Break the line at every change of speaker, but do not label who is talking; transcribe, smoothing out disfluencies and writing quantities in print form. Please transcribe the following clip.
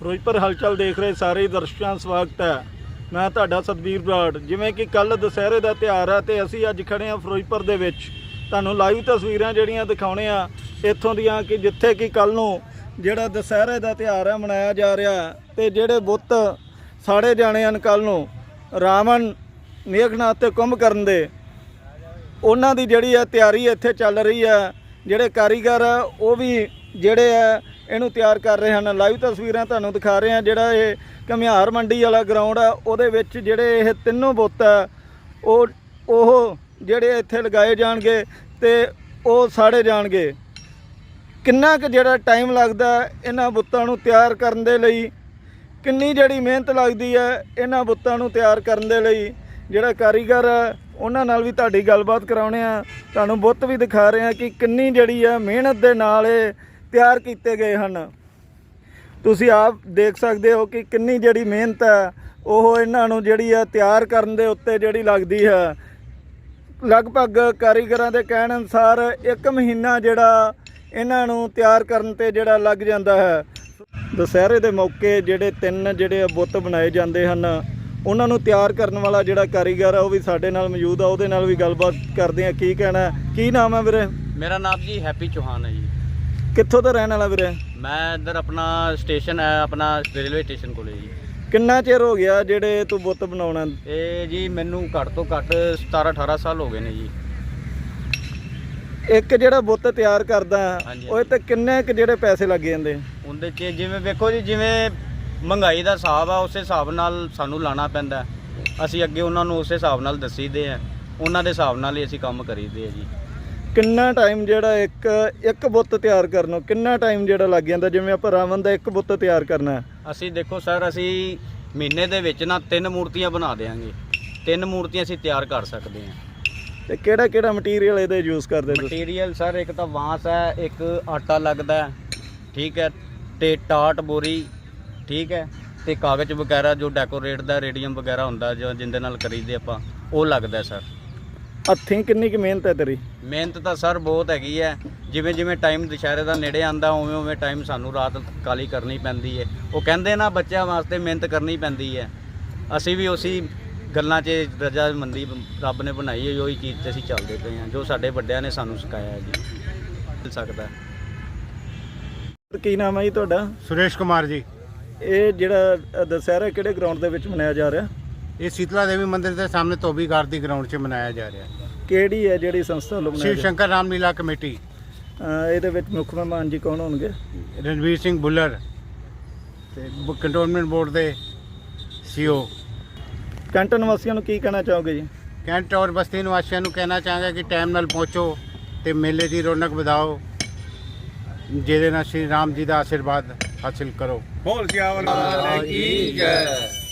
ਫਿਰੋਜ਼ਪੁਰ ਹਲਚਲ ਦੇਖ ਰਹੇ ਸਾਰੇ ਦਰਸ਼ਕਾਂ ਦਾ ਸਵਾਗਤ ਹੈ। ਮੈਂ ਤੁਹਾਡਾ ਸਤਬੀਰ ਬਰਾੜ। ਜਿਵੇਂ ਕਿ ਕੱਲ ਦੁਸਹਿਰੇ ਦਾ ਤਿਉਹਾਰ ਹੈ ਤੇ ਅਸੀਂ ਅੱਜ ਖੜੇ ਹਾਂ ਫਿਰੋਜ਼ਪੁਰ ਦੇ ਵਿੱਚ। ਤੁਹਾਨੂੰ ਲਾਈਵ ਤਸਵੀਰਾਂ ਜਿਹੜੀਆਂ ਦਿਖਾਉਣੇ ਆ ਇੱਥੋਂ ਦੀਆਂ ਕਿ ਜਿੱਥੇ ਕਿ ਕੱਲ ਨੂੰ ਜਿਹੜਾ ਦੁਸਹਿਰੇ ਦਾ ਤਿਉਹਾਰ ਹੈ ਮਨਾਇਆ ਜਾ ਰਿਹਾ ਤੇ ਜਿਹੜੇ ਬੁੱਤ ਸਾੜੇ ਜਾਣੇ ਹਨ ਕੱਲ ਨੂੰ ਰਾਵਣ, ਮੇਘਨਾਥ ਤੇ ਕੁੰਭਕਰਨ ਦੇ, ਉਹਨਾਂ ਦੀ ਜਿਹੜੀ ਹੈ ਤਿਆਰੀ ਇੱਥੇ ਚੱਲ ਰਹੀ ਹੈ। ਜਿਹੜੇ ਕਾਰੀਗਰ ਆ ਉਹ ਵੀ ਜਿਹੜੇ ਆ ਇਹਨੂੰ ਤਿਆਰ ਕਰ ਰਹੇ ਹਨ। ਲਾਈਵ ਤਸਵੀਰਾਂ ਤੁਹਾਨੂੰ ਦਿਖਾ ਰਹੇ ਹਾਂ। ਜਿਹੜਾ ਇਹ ਘੁਮਿਆਰ ਮੰਡੀ ਵਾਲਾ ਗਰਾਊਂਡ ਆ ਉਹਦੇ ਵਿੱਚ ਜਿਹੜੇ ਇਹ ਤਿੰਨੋਂ ਬੁੱਤ ਆ ਉਹ ਜਿਹੜੇ ਇੱਥੇ ਲਗਾਏ ਜਾਣਗੇ ਤੇ ਉਹ ਸਾੜੇ ਜਾਣਗੇ। ਕਿੰਨਾ ਕੁ ਜਿਹੜਾ ਟਾਈਮ ਲੱਗਦਾ ਇਹਨਾਂ ਬੁੱਤਾਂ ਨੂੰ ਤਿਆਰ ਕਰਨ ਦੇ ਲਈ, ਕਿੰਨੀ ਜਿਹੜੀ ਮਿਹਨਤ ਲੱਗਦੀ ਹੈ ਇਹਨਾਂ ਬੁੱਤਾਂ ਨੂੰ ਤਿਆਰ ਕਰਨ ਦੇ ਲਈ। ਜਿਹੜਾ ਕਾਰੀਗਰ ਆ ਉਹਨਾਂ ਨਾਲ ਵੀ ਤੁਹਾਡੀ ਗੱਲਬਾਤ ਕਰਾਉਣੇ ਆ। ਤੁਹਾਨੂੰ ਬੁੱਤ ਵੀ ਦਿਖਾ ਰਹੇ ਆ ਕਿ ਕਿੰਨੀ ਜਿਹੜੀ ਆ ਮਿਹਨਤ ਦੇ ਨਾਲ ਇਹ ਤਿਆਰ ਕੀਤੇ ਗਏ ਹਨ। ਤੁਸੀਂ ਆਪ ਦੇਖ ਸਕਦੇ ਹੋ ਕਿ ਕਿੰਨੀ ਜਿਹੜੀ ਮਿਹਨਤ ਹੈ ਉਹ ਇਹਨਾਂ ਨੂੰ ਜਿਹੜੀ ਆ ਤਿਆਰ ਕਰਨ ਦੇ ਉੱਤੇ ਜਿਹੜੀ ਲੱਗਦੀ ਹੈ। ਲਗਭਗ ਕਾਰੀਗਰਾਂ ਦੇ ਕਹਿਣ ਅਨੁਸਾਰ 1 ਮਹੀਨਾ ਜਿਹੜਾ ਇਹਨਾਂ ਨੂੰ ਤਿਆਰ ਕਰਨ ਤੇ ਜਿਹੜਾ ਲੱਗ ਜਾਂਦਾ ਹੈ। ਦੁਸਹਿਰੇ ਦੇ ਮੌਕੇ ਜਿਹੜੇ 3 ਜਿਹੜੇ ਬੁੱਤ ਬਣਾਏ ਜਾਂਦੇ ਹਨ ਉਹਨਾਂ ਨੂੰ ਤਿਆਰ ਕਰਨ ਵਾਲਾ ਜਿਹੜਾ ਕਾਰੀਗਰ ਆ ਉਹ ਵੀ ਸਾਡੇ ਨਾਲ ਮੌਜੂਦ ਆ। ਉਹਦੇ ਨਾਲ ਵੀ ਗੱਲਬਾਤ ਕਰਦੇ ਆ। ਕੀ ਕਹਿਣਾ, ਕੀ ਨਾਮ ਹੈ ਵੀਰੇ?
ਮੇਰਾ ਨਾਮ ਜੀ ਹੈਪੀ ਚੌਹਾਨ ਹੈ ਜੀ।
ਕਿੱਥੋਂ ਦਾ ਰਹਿਣ ਵਾਲਾ ਵੀਰੇ?
ਮੈਂ ਇੱਧਰ ਆਪਣਾ ਸਟੇਸ਼ਨ ਹੈ, ਆਪਣਾ ਰੇਲਵੇ ਸਟੇਸ਼ਨ ਕੋਲੇ ਜੀ।
ਕਿੰਨਾ ਚਿਰ ਹੋ ਗਿਆ ਜਿਹੜੇ ਤੂੰ ਬੁੱਤ ਬਣਾਉਣਾ?
ਇਹ ਜੀ ਮੈਨੂੰ ਘੱਟ ਤੋਂ ਘੱਟ 17-18 ਸਾਲ ਹੋ ਗਏ ਨੇ ਜੀ।
ਇੱਕ ਜਿਹੜਾ ਬੁੱਤ ਤਿਆਰ ਕਰਦਾ
ਹਾਂਜੀ।
ਉਹ ਤੇ ਕਿੰਨੇ ਕੁ ਜਿਹੜੇ ਪੈਸੇ ਲੱਗ ਜਾਂਦੇ?
ਉਹਦੇ 'ਚ ਜਿਵੇਂ ਵੇਖੋ ਜੀ, ਜਿਵੇਂ ਮਹਿੰਗਾਈ ਦਾ ਹਿਸਾਬ ਆ ਉਸੇ ਹਿਸਾਬ ਨਾਲ ਸਾਨੂੰ ਲਾਣਾ ਪੈਂਦਾ। ਅਸੀਂ ਅੱਗੇ ਉਹਨਾਂ ਨੂੰ ਉਸੇ ਹਿਸਾਬ ਨਾਲ ਦੱਸੀਦੇ ਆ, ਉਹਨਾਂ ਦੇ ਹਿਸਾਬ ਨਾਲ ਹੀ ਅਸੀਂ ਕੰਮ ਕਰੀਦੇ ਆ ਜੀ।
ਕਿੰਨਾ ਟਾਈਮ ਜਿਹੜਾ ਇੱਕ ਬੁੱਤ ਤਿਆਰ ਕਰਨ ਨੂੰ ਕਿੰਨਾ ਟਾਈਮ ਜਿਹੜਾ ਲੱਗ ਜਾਂਦਾ? ਜਿਵੇਂ ਆਪਾਂ ਰਾਵਣ ਦਾ ਇੱਕ ਬੁੱਤ ਤਿਆਰ ਕਰਨਾ,
ਅਸੀਂ ਦੇਖੋ ਸਰ, ਅਸੀਂ ਮਹੀਨੇ ਦੇ ਵਿੱਚ ਨਾ 3 ਮੂਰਤੀਆਂ ਬਣਾ ਦੇਵਾਂਗੇ। 3 ਮੂਰਤੀਆਂ ਅਸੀਂ ਤਿਆਰ ਕਰ ਸਕਦੇ ਹਾਂ।
ਤੇ ਕਿਹੜਾ ਮਟੀਰੀਅਲ ਇਹਦੇ ਯੂਜ਼ ਕਰਦੇ ਤੁਸੀਂ?
ਮਟੀਰੀਅਲ ਸਰ ਇੱਕ ਤਾਂ ਬਾਂਸ ਹੈ, ਇੱਕ ਆਟਾ ਲੱਗਦਾ ਹੈ, ਠੀਕ ਹੈ, ਤੇ ਟਾਟ ਬੋਰੀ, ਠੀਕ ਹੈ, ਤੇ ਕਾਗਜ਼ ਵਗੈਰਾ ਜੋ ਡੈਕੋਰੇਟ ਦਾ ਰੇਡੀਅਮ ਵਗੈਰਾ ਹੁੰਦਾ ਜੋ ਜਿੰਦੇ ਨਾਲ ਕਰੀਦੇ ਆਪਾਂ, ਉਹ ਲੱਗਦਾ ਸਰ।
ਹੱਥੀਂ ਕਿੰਨੀ ਕੁ ਮਿਹਨਤ ਹੈ ਤੇਰੀ?
ਮਿਹਨਤ ਤਾਂ ਸਰ ਬਹੁਤ ਹੈਗੀ ਹੈ। ਜਿਵੇਂ ਟਾਈਮ ਦੁਸਹਿਰੇ ਦਾ ਨੇੜੇ ਆਉਂਦਾ ਉਵੇਂ ਟਾਈਮ ਸਾਨੂੰ ਰਾਤ ਕਾਲੀ ਕਰਨੀ ਪੈਂਦੀ ਹੈ। ਉਹ ਕਹਿੰਦੇ ਨਾ ਬੱਚਿਆਂ ਵਾਸਤੇ ਮਿਹਨਤ ਕਰਨੀ ਪੈਂਦੀ ਹੈ। ਅਸੀਂ ਵੀ ਉਸੇ ਗੱਲਾਂ 'ਚ ਰਜ਼ਾਮੰਦੀ ਰੱਬ ਨੇ ਬਣਾਈ ਹੈ, ਉਹੀ ਚੀਜ਼ 'ਤੇ ਅਸੀਂ ਚੱਲਦੇ ਪਏ ਹਾਂ, ਜੋ ਸਾਡੇ ਵੱਡਿਆਂ ਨੇ ਸਾਨੂੰ ਸਿਖਾਇਆ ਜੀ। ਮਿਲ ਸਕਦਾ।
ਕੀ ਨਾਮ ਹੈ ਜੀ ਤੁਹਾਡਾ?
ਸੁਰੇਸ਼ ਕੁਮਾਰ ਜੀ।
ਇਹ ਜਿਹੜਾ ਦੁਸਹਿਰਾ ਕਿਹੜੇ ਗਰਾਊਂਡ ਦੇ ਵਿੱਚ ਮਨਾਇਆ ਜਾ ਰਿਹਾ?
ਇਹ ਸੀਤਲਾ ਦੇਵੀ ਮੰਦਿਰ ਦੇ ਸਾਹਮਣੇ ਧੋਬੀ ਘਾਟ ਦੀ ਗਰਾਊਂਡ 'ਚ ਮਨਾਇਆ ਜਾ ਰਿਹਾ।
ਕਿਹੜੀ ਹੈ ਜਿਹੜੀ ਸੰਸਥਾ ਵੱਲੋਂ
ਸ਼ਿਵ ਸ਼ੰਕਰ ਰਾਮਲੀਲਾ ਕਮੇਟੀ।
ਇਹਦੇ ਵਿੱਚ ਮੁੱਖ ਮਹਿਮਾਨ ਜੀ ਕੌਣ ਹੋਣਗੇ?
ਰਣਵੀਰ ਸਿੰਘ ਭੁੱਲਰ ਤੇ ਕੰਟੋਨਮੈਂਟ ਬੋਰਡ ਦੇ ਸੀਓ।
ਕੈਂਟ ਨਿਵਾਸੀਆਂ ਨੂੰ ਕੀ ਕਹਿਣਾ ਚਾਹੋਗੇ ਜੀ?
ਕੈਂਟ ਔਰ ਬਸਤੀ ਨਿਵਾਸੀਆਂ ਨੂੰ ਕਹਿਣਾ ਚਾਹਾਂਗਾ ਕਿ ਟਾਈਮ ਨਾਲ ਪਹੁੰਚੋ ਤੇ ਮੇਲੇ ਦੀ ਰੌਣਕ ਵਧਾਓ, ਜਿਹਦੇ ਨਾਲ ਸ਼੍ਰੀ ਰਾਮ ਜੀ ਦਾ ਆਸ਼ੀਰਵਾਦ ਹਾਸਿਲ ਕਰੋ।
ਬੋਲ ਸਿਆਵਲ ਕੀ ਜੈ।